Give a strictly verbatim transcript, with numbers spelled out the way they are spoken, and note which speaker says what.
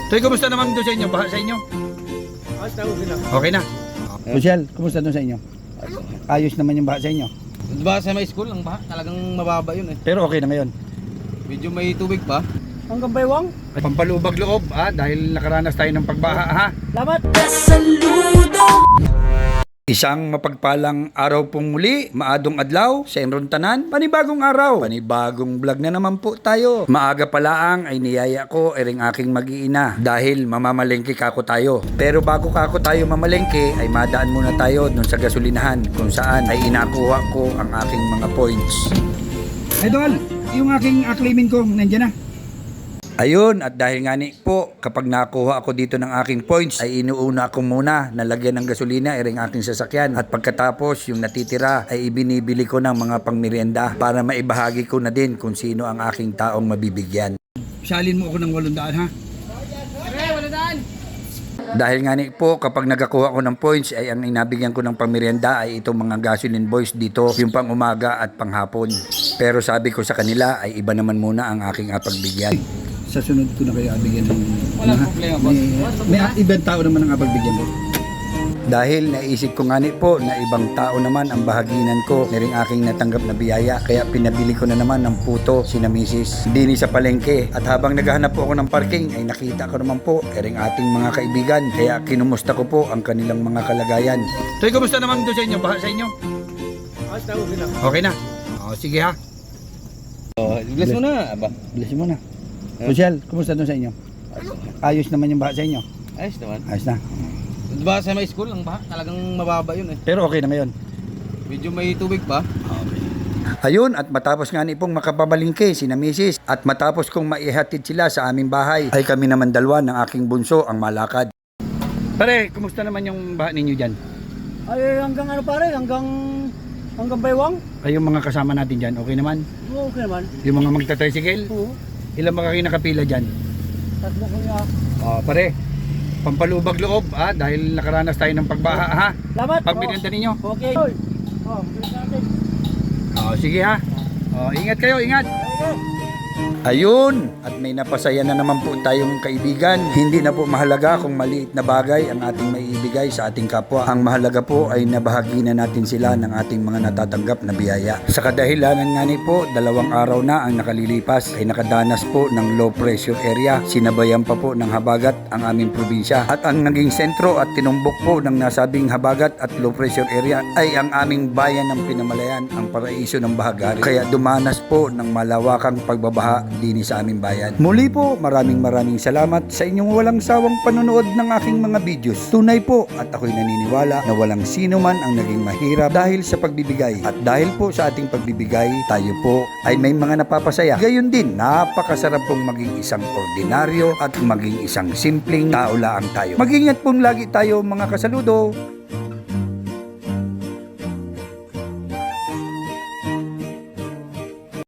Speaker 1: Toy, kumusta naman doon sa inyo? Baha sa inyo?
Speaker 2: Ayos na, okay na.
Speaker 1: Okay na. Michelle, kumusta doon sa inyo? Ayos naman yung baha sa inyo.
Speaker 2: Diba sa may school, ang baha, talagang mababa yun eh.
Speaker 1: Pero okay na ngayon.
Speaker 2: Medyo may tubig pa.
Speaker 3: Hanggang baywang.
Speaker 1: Pampalubag loob ah, dahil nakaranas tayo ng pagbaha ha.
Speaker 3: Salamat.
Speaker 1: Isang mapagpalang araw pong muli, maadong adlaw sa Enron Tanan, panibagong araw, panibagong vlog na naman po tayo. Maaga pa laang ay niyaya ko ering aking mag-iina dahil mamamalengke kako tayo. Pero bago kako tayo mamalengke ay madaan muna tayo dun sa gasolinahan kung saan ay inakuha ko ang aking mga points. Idol, yung aking acclaiming ko nandiyan na. Ayun, at dahil nga ni po, kapag nakuha ako dito ng aking points, ay inuuna ko muna na lagyan ng gasolina iring aking sasakyan. At pagkatapos, yung natitira ay ibinibili ko ng mga pangmerienda para maibahagi ko na din kung sino ang aking taong mabibigyan. Salin mo ako ng walong daan ha? Dahil nga ni po, kapag nagakuha ko ng points ay ang inabigyan ko ng pangmerienda ay itong mga gasoline boys dito, yung pang umaga at panghapon. Pero sabi ko sa kanila ay iba naman muna ang aking apagbigyan. Sa sunod ko na kayo abigyan ng...
Speaker 2: Walang problema, boss.
Speaker 1: May, may ibang tao naman ang apagbigyan mo. Dahil naisip ko nga ni po na ibang tao naman ang bahaginan ko na rin aking natanggap na biyaya. Kaya pinabili ko na naman ng puto si na misis Dini sa palengke. At habang naghahanap po ako ng parking ay nakita ko naman po ering ating mga kaibigan. Kaya kinumusta ko po ang kanilang mga kalagayan. Toy, kumusta naman doon sa inyo? Baha sa inyo?
Speaker 2: Ayos na, okay na.
Speaker 1: Okay na? O, sige ha.
Speaker 2: Oh, bless mo na, aba.
Speaker 1: Bless mo na. Michelle, kumusta doon sa inyo? Ayos naman yung baha sa inyo?
Speaker 2: Ayos naman.
Speaker 1: Ayos na.
Speaker 2: Diba sa may school, ang baha, talagang mababa yun eh.
Speaker 1: Pero okay na ngayon.
Speaker 2: Medyo may tubig pa.
Speaker 1: Ayun, at matapos nga ni pong makapabalingke si na misis at matapos kong maihatid sila sa aming bahay, ay kami naman dalawa ng aking bunso ang malakad. Pare, kumusta naman yung baha ninyo dyan?
Speaker 3: Ay hanggang ano pare, hanggang hanggang baywang.
Speaker 1: Ay yung mga kasama natin dyan, okay naman?
Speaker 3: Oo, okay naman.
Speaker 1: Yung mga magta-tricycle?
Speaker 3: Oo.
Speaker 1: Ilan ba kayo nakapila dyan?
Speaker 3: Tatlo ko niya.
Speaker 1: Oh, pare, pampalubag loob ah, dahil nakaranas tayo ng pagbaha ha.
Speaker 3: Salamat.
Speaker 1: Pagpinenta ninyo.
Speaker 3: Okay. Oh, bilis natin.
Speaker 1: Oh, sige ha. Oh, ingat kayo, ingat.
Speaker 3: Okay.
Speaker 1: Ayun, at may napasaya na naman po tayong kaibigan. Hindi na po mahalaga kung maliit na bagay ang ating maiibigay sa ating kapwa. Ang mahalaga po ay nabahagi na natin sila ng ating mga natatanggap na biyaya. Sa kadahilanan nga ni po, dalawang araw na ang nakalilipas ay nakadanas po ng low pressure area. Sinabayan pa po ng habagat ang aming probinsya. At ang naging sentro at tinumbok po ng nasabing habagat at low pressure area ay ang aming bayan ng Pinamalayan, ang paraiso ng Bahagari. Kaya dumanas po ng malawakang pagbabaha dini sa aming bayan. Muli po, maraming maraming salamat sa inyong walang sawang panonood ng aking mga videos. Tunay po at ako'y naniniwala na walang sino man ang naging mahirap dahil sa pagbibigay. At dahil po sa ating pagbibigay, tayo po ay may mga napapasaya. Gayon din, napakasarap pong maging isang ordinaryo at maging isang simpleng tao lang tayo. Mag-ingat pong lagi tayo mga kasaludo.